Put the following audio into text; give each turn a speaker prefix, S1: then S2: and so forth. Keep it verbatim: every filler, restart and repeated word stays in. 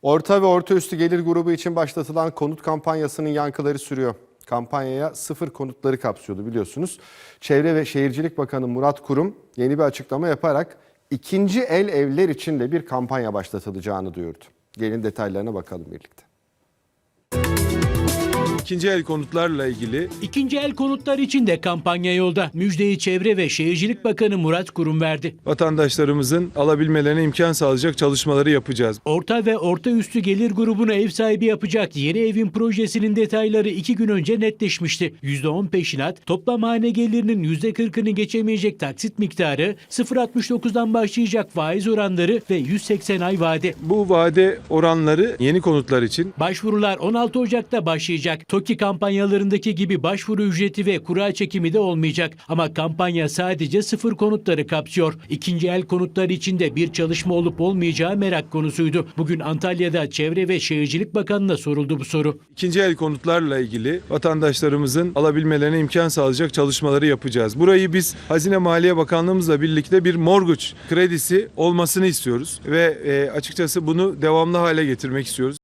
S1: Orta ve orta üstü gelir grubu için başlatılan konut kampanyasının yankıları sürüyor. Kampanyaya sıfır konutları kapsıyordu biliyorsunuz. Çevre ve Şehircilik Bakanı Murat Kurum yeni bir açıklama yaparak ikinci el evler için de bir kampanya başlatılacağını duyurdu. Gelin detaylarına bakalım birlikte.
S2: İkinci el konutlarla ilgili
S3: İkinci el konutlar için de kampanya yolda. Müjdeyi Çevre ve Şehircilik Bakanı Murat Kurum verdi.
S2: vatandaşlarımızın alabilmelerine imkan sağlayacak çalışmaları yapacağız.
S3: Orta ve orta üstü gelir grubunu ev sahibi yapacak yeni evin projesinin detayları iki gün önce netleşmişti. yüzde on peşinat, toplam hane gelirinin yüzde kırkını geçemeyecek taksit miktarı, sıfır virgül altmış dokuzdan başlayacak faiz oranları ve yüz seksen ay vade.
S2: Bu vade oranları yeni konutlar için
S3: Başvurular on altı Ocak'ta başlayacak. TOKİ kampanyalarındaki gibi başvuru ücreti ve kura çekimi de olmayacak. Ama kampanya sadece sıfır konutları kapsıyor. İkinci el konutlar için de bir çalışma olup olmayacağı merak konusuydu. Bugün Antalya'da Çevre ve Şehircilik Bakanı'na soruldu bu soru.
S2: ikinci el konutlarla ilgili vatandaşlarımızın alabilmelerine imkan sağlayacak çalışmaları yapacağız. Burayı biz Hazine Maliye Bakanlığımızla birlikte bir mortgage kredisi olmasını istiyoruz ve e, açıkçası bunu devamlı hale getirmek istiyoruz.